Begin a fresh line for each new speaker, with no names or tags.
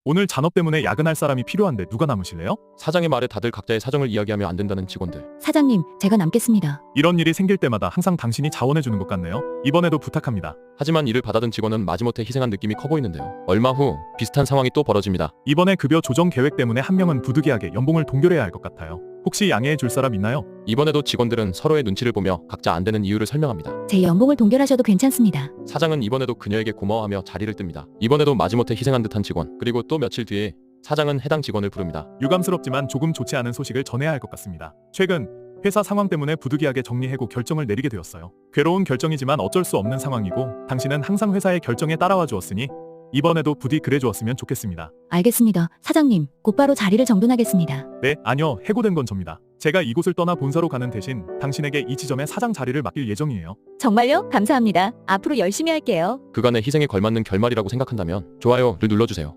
오늘 잔업 때문에 야근할 사람이 필요한데 누가 남으실래요?
사장의 말에 다들 각자의 사정을 이야기하며 안 된다는 직원들.
사장님, 제가 남겠습니다.
이런 일이 생길 때마다 항상 당신이 자원해주는 것 같네요. 이번에도 부탁합니다.
하지만 이를 받아든 직원은 마지못해 희생한 느낌이 커 보이는데요. 얼마 후 비슷한 상황이 또 벌어집니다.
이번에 급여 조정 계획 때문에 한 명은 부득이하게 연봉을 동결해야 할 것 같아요. 혹시 양해해 줄 사람 있나요?
이번에도 직원들은 서로의 눈치를 보며 각자 안 되는 이유를 설명합니다.
제 연봉을 동결하셔도 괜찮습니다.
사장은 이번에도 그녀에게 고마워하며 자리를 뜹니다. 이번에도 마지못해 희생한 듯한 직원. 그리고 또 며칠 뒤에 사장은 해당 직원을 부릅니다.
유감스럽지만 조금 좋지 않은 소식을 전해야 할 것 같습니다. 최근 회사 상황 때문에 부득이하게 정리해고 결정을 내리게 되었어요. 괴로운 결정이지만 어쩔 수 없는 상황이고 당신은 항상 회사의 결정에 따라와 주었으니 이번에도 부디 그래 주었으면 좋겠습니다.
알겠습니다. 사장님, 곧바로 자리를 정돈하겠습니다.
네, 아니요. 해고된 건 접니다. 제가 이곳을 떠나 본사로 가는 대신 당신에게 이 지점의 사장 자리를 맡길 예정이에요.
정말요? 감사합니다. 앞으로 열심히 할게요.
그간의 희생에 걸맞는 결말이라고 생각한다면 좋아요를 눌러주세요.